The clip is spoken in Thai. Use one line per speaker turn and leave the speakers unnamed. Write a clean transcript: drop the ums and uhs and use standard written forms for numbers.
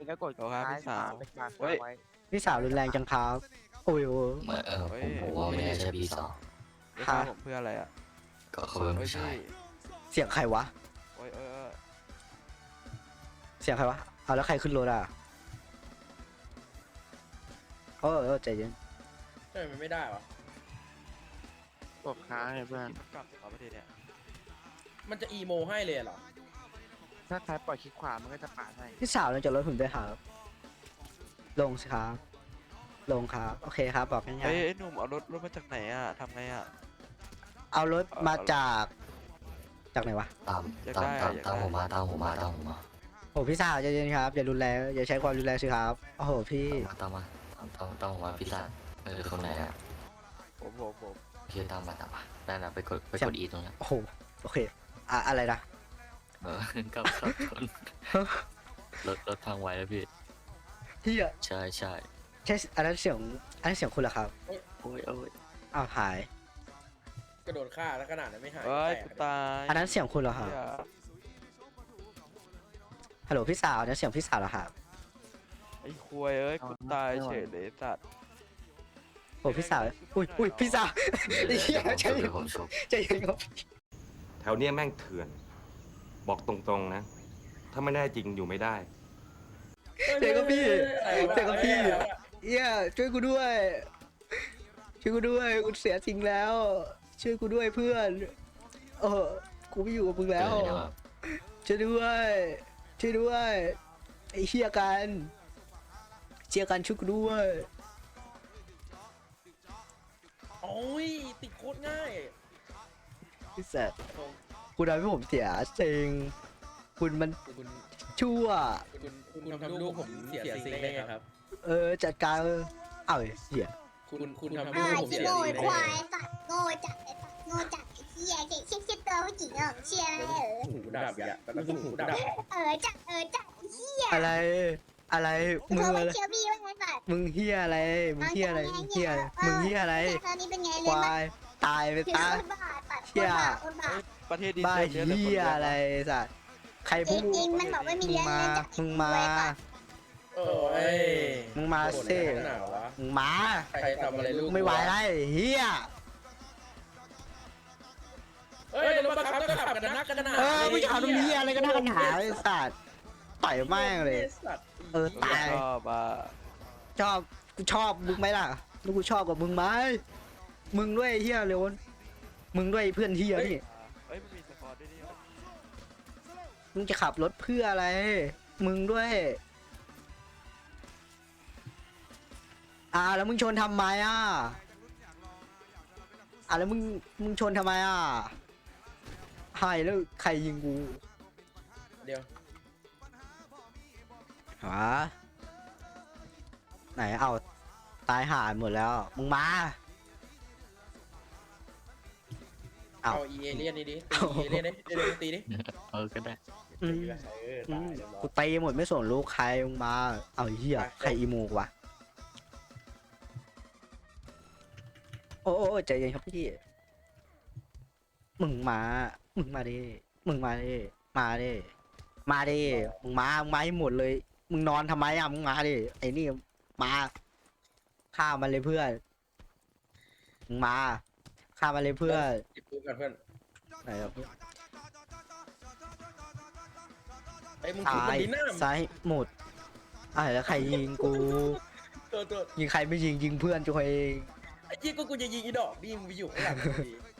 งก็กด
โอเคพี่สาว
เป็นบาร์
เฮ้ย
ไว้
พี่สาวรุนแรงจังครับโอ้ยโอ้ย
ผมว่าไม่น่าใช่พี่สาว
จะทำผมเพื่ออะไรอ่ะ
ก็เขาเป็น
เฮ้ย
ผู้ชาย
พี่
เสียงใครวะ
โอ้ยย
เสียงใครวะเอาแล้วใครขึ้นรถอ่ะใจเย็น
ใช่มันไม่ได้วะ
กดค้างไงเพื่อน
กลับประเทศเนี่ย
มันจะอีโมให้เลยเหรอ
ถ้าใครปล่อยคลิกขวามันก็จะปาดให้
พี่สาวลงจากรถผมด้วยครับลงสิครับลงครับโอเคครับบอกง่าย
เฮ้ยไอ้หนุ่มเอารถมาจากไหนอ่ะทำไงอ่ะ
ๆเอารถมาจากไหนวะ
ตาม
อยาก
ตาม
ได้
ตาม
อยากได้
ตามผมมาตามผมมาตามผมมา
โอ้พี่สาวใจเย็นครับอย่ารุนแรงอย่าใช้ความรุนแรงสิครับโอ้โหพี่
ตามมาตามผมมาพี่สาวคนไหนอ่ะ
ผม
พี่ตามมานั่นน่ะไปกดอีตรงนั้น
โอ้โหโอเคอะไรนะ
กับชนรถพังไว้แล้วพี่
เฮีย
ใช่
ใช่อันนั้นเสียงคุณเหรอครับ
โอ้ย
อ้าวหาย
กระโดดฆ่าแล้วขนาดนั้นไม่หาย
เฮ้ย
แต
กู
ก
ตาย
อันนั้นเสียงคุณเหรอครับ
เหี้ย
ฮัลโหลพี่สาวอันนั้นเสียงพี่สาวเหรอครับ
ไอ้ควยเอ้ยกูตายเฉยเลยสัตว์
โอ้พี่สาวอุ้ยพี่สาวไอ้เหี้ยใจเย็น
ผมชม
ใจเย็นครับ
แถวเนี้ยแม่งเถื่อน บอกตรงๆนะ ถ้าไม่แน่จริงอยู่ไม่ได้
เจอกับพี่เจอกับพี่เหี้ยช่วยกูด้วยช่วยกูด้วยกูเสียจริงแล้ว ช่วยกูด้วยเพื่อนกูไม่อยู่กับมึงแล้วช่วยด้วยช่วยด้วยไอ้เชี่ยกันช่วยกูด้วย
โอ้ยติดโคตรง่าย
พี่แซดคุณทำให้ผมเสียจริงคุณมัน
คุณ
ชั่ว
คุณทำลูกผมเสียสิ่งได้ไงครับ
จัดการเสีย
คุณทำลูกผม
ที่
เสีย
โง่
สิ่งได้
ควา
ไง
ยสัตว์โง่จัดไอ้สัตว์โง่จัดไอ้เหี้ยเด็กเชี่ยตัวผู้หญิงอ่ะเชี่ย
หูดับอ่ะแล้วก็หูดับ
จัดไอ้เหี้ย
อะไรมึง
เขา
อะไร
เชื่อพี่ว่าไงสัตว์
มึงเฮียอะไรมึงเฮียอะไรมึงเฮียอะไร
คราวนี้เป็นไง
ค
เล่น
วายตายไป
คือ
ตาย
คนบ้าตัด
เชี่ย
คนบ้า
ประเทศดี
บ้า
เซลเนี่ยแต่คน
เฮีย
เดียว
อะไรสัตว์ใครพูด
จริงมันบอกว่ามี
มึง
เรื่อง
มา
เล่นจาก
มึงมา
โอ้ย
มึงมาเซ่
หนาววะ
มึงมา
ใครทำอะไรลูก
ไม่ไหวแล้วเฮีย
เฮ้ยรถบังคับก็ขับกันนักกันหนา
มึงจะเอาตรงนี้อะไรก็น่ากันหาไอ้สัตว์ต่อยแม่งเลย ตาย
ชอบอ่ะ
กูชอบมึงไหมล่ะแล้วกูชอบกับมึงไหมมึงด้วยเฮียเร็วมึงด้วยเพื่อนเฮียนี่
เฮ้ยมันมีสกอร์ด้วยนี่
มึงจะขับรถเพื่ออะไร มึงด้วยแล้วมึงชนทำไมแล้วมึงชนทำไมหายแล้วใครยิงกู
เดี๋ยว
ไหนเอาตายห่าหมดแล้วมึงมา
เอาอีเอเลียนนี่ดิตีเอเลียนดิเอเลียนตีดิ
ก็ได้
อืม กูตีหมดไม่สนลูกใครมึงมาเอาเหี้ยใครอีโมกวะโอ้ใจเย็นครับพี่มึงมาดิมึงมาดิมึงมาให้หมดเลยมึงนอนทำไมมึงมาดิไอ้นี่มาฆ่ามันเลยเพื่อนมึงมาฆ่ามันเลยเพื่อน
จิบปืนกันเพื่อน
ไหนครับเพื่อน
ไอ้มึงถูกมันดีหน้า
ซ้ายหมดแล้วใครยิงกู
ตัว
ยิงใครไม่ยิงเพื่อนตัวเอง
ไอ้ยี่กูจะยิงอีดอกดิมึงไปอยู่ข้างหลังดี